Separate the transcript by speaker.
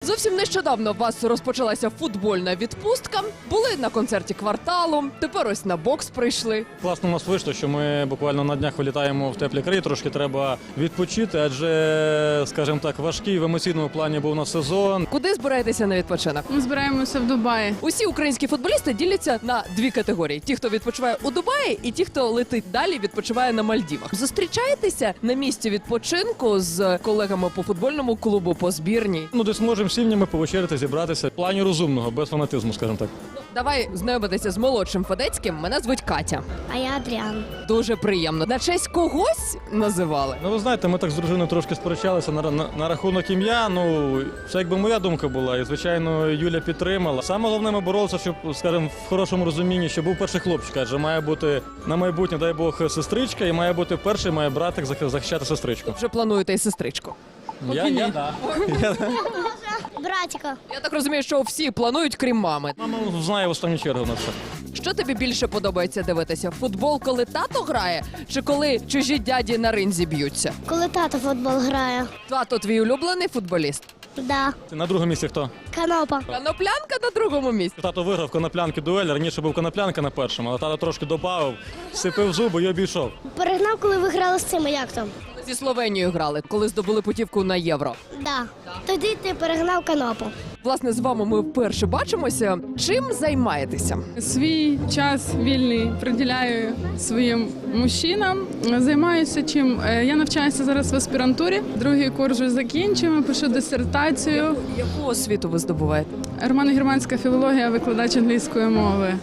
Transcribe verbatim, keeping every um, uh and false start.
Speaker 1: Зовсім нещодавно у вас розпочалася футбольна відпустка. Були на концерті «Кварталу», тепер ось на бокс прийшли.
Speaker 2: Класно у нас вийшло, що ми буквально на днях вилітаємо в теплі краї, трошки треба відпочити, адже, скажімо так, важкий в емоційному плані був у нас сезон.
Speaker 1: Куди збираєтеся на відпочинок?
Speaker 3: Ми збираємося в Дубаї.
Speaker 1: Усі українські футболісти діляться на дві категорії: ті, хто відпочиває у Дубаї, і ті, хто летить далі, відпочиває на Мальдівах. Зустрічаєтеся на місці відпочинку з колегами по футбольному клубу, по збірній?
Speaker 2: Ну, десь можемо сім'ями повечеряти, зібратися. В плані розумного, без фанатизму, скажімо так.
Speaker 1: Давай знайомитися з молодшим Федецьким. Мене звуть Катя.
Speaker 4: А я Адріан.
Speaker 1: Дуже приємно. На честь когось називали?
Speaker 2: Ну, ви знаєте, ми так з дружиною трошки сперечалися на, на, на рахунок ім'я. Ну, це якби моя думка була. І, звичайно, Юля підтримала. Саме головне, ми боролися, щоб, скажімо, в хорошому розумінні, щоб був перший хлопчик. Адже має бути на майбутнє, дай Бог, сестричка, і має бути перший, має братик захищати сестричку.
Speaker 1: Вже плануєте і сестричку.
Speaker 2: Я, я, да. я,
Speaker 4: Братіка.
Speaker 1: Я так розумію, що всі планують, крім мами.
Speaker 2: Мама знає в останню чергу на все.
Speaker 1: Що тобі більше подобається дивитися? Футбол, коли тато грає, чи коли чужі дяді на ринзі б'ються?
Speaker 4: Коли тато в футбол грає.
Speaker 1: Тато твій улюблений футболіст?
Speaker 4: Да.
Speaker 2: На другому місці хто?
Speaker 4: Канопа.
Speaker 1: Коноплянка на другому місці.
Speaker 2: Тато виграв коноплянки дуель, раніше був коноплянка на першому, але тато трошки додав, сипив зуби і обійшов.
Speaker 4: Перегнав, коли ви грали з цими, як там?
Speaker 1: Зі Словенією грали, коли здобули путівку на Євро.
Speaker 4: Да. Тоді ти перегнав канопу.
Speaker 1: Власне, з вами ми вперше бачимося. Чим займаєтеся?
Speaker 3: Свій час вільний приділяю своїм мужчинам. Займаюся чим? Е, Я навчаюся зараз в аспірантурі. Другий курс вже закінчимо, пишу дисертацію.
Speaker 1: Яку освіту ви здобуваєте?
Speaker 3: Романо-германська філологія, викладач англійської мови.